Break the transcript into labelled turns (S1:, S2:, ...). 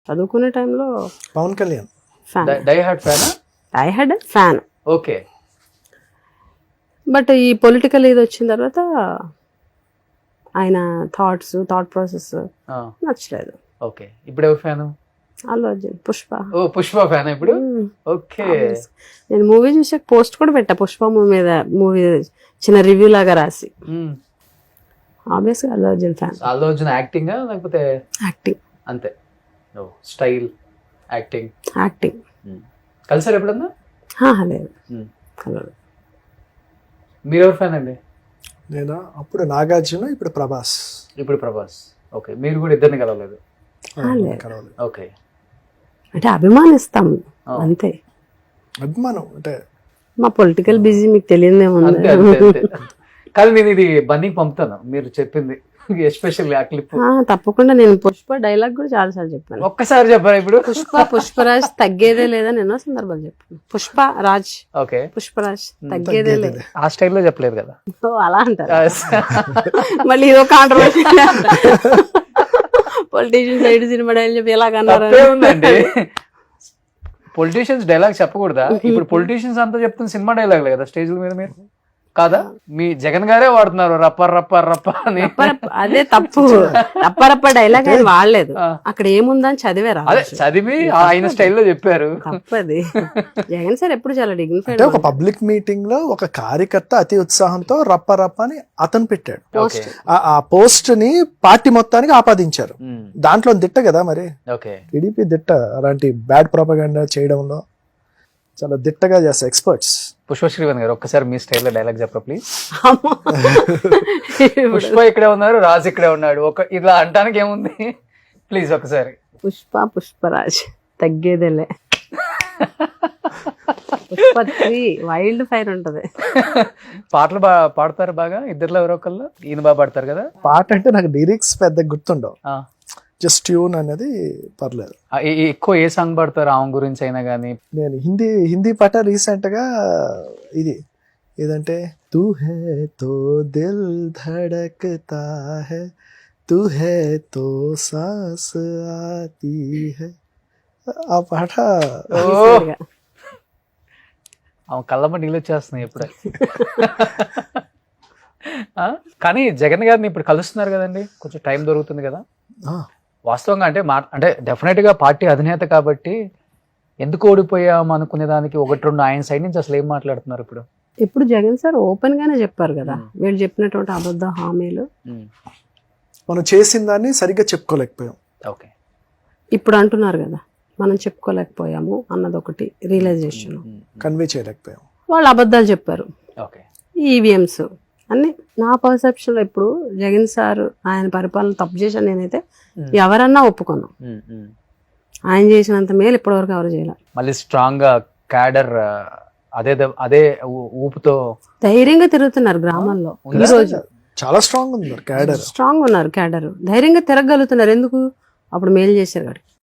S1: చదువుకునే టైంలో
S2: Pawan Kalyan
S1: fan,
S3: die hard ఫ్యానా?
S1: I had fan.
S3: Okay.
S1: But ఈ పొలిటికల్ ఇది వచ్చిన తర్వాత ఆయన థాట్ ప్రాసెస్ నచ్చలేదు.
S3: ఓకే. ఇప్పుడు ఎవరు ఫ్యాను?
S1: అల్లు అర్జున్, పుష్ప.
S3: ఓ పుష్ప ఫ్యాన్ ఇప్పుడు. ఓకే.
S1: నేను మూవీ చూసాక పోస్ట్ కూడా పెట్టా పుష్ప మూవీ చిన్న రివ్యూ లాగా రాసి. ఆబ్వియస్ గా అల్లు అర్జున్ ఫ్యాన్.
S3: అల్లు అర్జున్ యాక్టింగ్ లేకపోతే
S1: యాక్టింగ్
S3: అంతే? స్టైల్ యాక్టింగ్
S1: యాక్టింగ్
S3: కలిసారు ఎప్పుడన్నా?
S1: లేదు కలర్.
S3: మీరెవరు ఫ్యాన్ అండి?
S2: నేను అప్పుడు నాగార్జున, ఇప్పుడు ప్రభాస్.
S3: ఇప్పుడు ప్రభాస్. ఓకే. మీరు కూడా ఇద్దరిని కలవలేదు?
S2: కలవలేదు.
S3: ఓకే.
S1: అంటే అభిమానిస్తాం అంతే.
S2: అభిమానం అంటే
S1: మా పొలిటికల్ బిజీ మీకు తెలియదేమో.
S3: కానీ నేను ఇది బన్నీకి పంపుతాను మీరు చెప్పింది, ఎస్పెషల్లీ ఆ క్లిప్.
S1: తప్పకుండా. నేను పుష్ప డైలాగ్ కూడా చాలా సార్లు చెప్పాను.
S3: ఒక్కసారి చెప్పారా ఇప్పుడు?
S1: పుష్పరాజ్ తగ్గేదే లేదని ఎన్నో సందర్భాలు చెప్పాను. పుష్పరాజ్,
S3: ఓకే,
S1: పుష్పరాజ్ తగ్గేదే లేదు.
S3: ఆ స్టైల్లో చెప్పలేదు కదా.
S1: అలా అంటారు. మళ్ళీ ఇదో controversy. Politician side cinema dialogue చెప్పి ఎలాగన్నారు?
S3: ఉందండి, పొలిటీషియన్స్ డైలాగ్ చెప్పకూడదా? ఇప్పుడు పొలిటీషియన్స్ అంతా చెప్తున్న సినిమా డైలాగ్ కదా స్టేజ్ల మీద, మీరు కాదా? మీ జగన్ గారే వాడుతున్నారు రప్ప రప్ప రప్ప అని.
S1: అదే తప్పు. రప్ప రప్ప డైలాగ్ ఆయన వాడలేదు. అక్కడ ఏముందని చదివారు.
S3: అదే చదివి ఆయన స్టైల్లో చెప్పారు.
S1: తప్పది. జగన్ సార్ ఎప్పుడు చాలా డిగ్నిఫైడ్.
S2: ఒక పబ్లిక్ మీటింగ్ లో ఒక కార్యకర్త అతి ఉత్సాహంతో రప్ప రప్ప అని అతను పెట్టాడు. ఆ పోస్ట్ ని పార్టీ మొత్తానికి ఆపాదించారు. దాంట్లో దిట్ట కదా మరి. టీడీపీ దిట్ట అలాంటి బ్యాడ్ ప్రొపగండా చేయడంలో చాలా దిట్టగా చేస్తారు ఎక్స్పర్ట్స్.
S3: పుష్పశ్రీవన్ గారు ఒక్కసారి మీ స్టైల్లో డైలాగ్ చెప్పరా ప్లీజ్. పుష్ప ఇక్కడే ఉన్నారు, రాజ్ ఇక్కడే ఉన్నాడు, ఇలా అంటానికి ఏముంది ప్లీజ్ ఒకసారి.
S1: పుష్పరాజ్ తగ్గేదేలే. పుష్ప 3 వైల్డ్ ఫైర్ ఉంటది.
S3: పాటలు పాడతారు బాగా ఇద్దరులో ఎవరో ఒకళ్ళు. ఈయన బాగా పాడతారు కదా
S2: పాట. అంటే నాకు లిరిక్స్ పెద్ద గుర్తుండవు, జస్ట్ ట్యూన్ అనేది పర్లేదు.
S3: ఎక్కువ ఏ సాంగ్ పాడతారు ఆమె గురించి అయినా కానీ?
S2: నేను హిందీ పాట రీసెంట్ గా ఇది ఏదంటే తూ హే తో దిల్ ధడకతా హై, తూ హే తో సాస్ ఆతీ హై, ఆ పాట.
S3: ఆమె కళ్ళమ్మ నీళ్ళు వచ్చేస్తున్నాయి ఎప్పుడే. కానీ జగన్ గారిని ఇప్పుడు కలుస్తున్నారు కదండి, కొంచెం టైం దొరుకుతుంది కదా వాస్తవంగా. అంటే డెఫినెట్ గా పార్టీ అధినేత కాబట్టి ఎందుకు ఓడిపోయాం అనుకునే దానికి ఒకటి రెండు ఆయన సైడ్ నుంచి అసలు ఏం మాట్లాడుతున్నారు ఇప్పుడు?
S1: ఇప్పుడు జగన్ సార్ ఓపెన్ గానే చెప్పారు కదా, వీళ్ళు చెప్పినటువంటి అబద్ధ హామీలు
S2: మనం చేసిన దాన్ని సరిగ్గా చెప్పుకోలేకపోయాం.
S3: ఓకే.
S1: ఇప్పుడు అంటున్నారు కదా మనం చెప్పుకోలేకపోయాము అన్నది ఒకటి రియలైజేషన్,
S2: కన్వే చేయలేకపోయాం.
S1: వాళ్ళు అబద్ధాలు చెప్పారు.
S3: ఓకే.
S1: ఈవీఎంస్ అన్ని నా పర్సెప్షన్ లో ఇప్పుడు జగన్ సార్ ఆయన పరిపాలన తప్పు చేశాను నేనైతే ఎవరన్నా ఒప్పుకున్నాం. ఆయన చేసినంత మేలు ఇప్పటివరకు ఎవరు చేయాలి.
S3: మళ్ళీ స్ట్రాంగ్ గా క్యాడర్ అదే ఊపుతో
S1: ధైర్యంగా తిరుగుతున్నారు గ్రామాల్లో. ఈ రోజు
S2: చాలా స్ట్రాంగ్ ఉన్నారు క్యాడర్.
S1: ధైర్యంగా తిరగలుగుతున్నారు. ఎందుకు? అప్పుడు మేలు చేశారు కాబట్టి.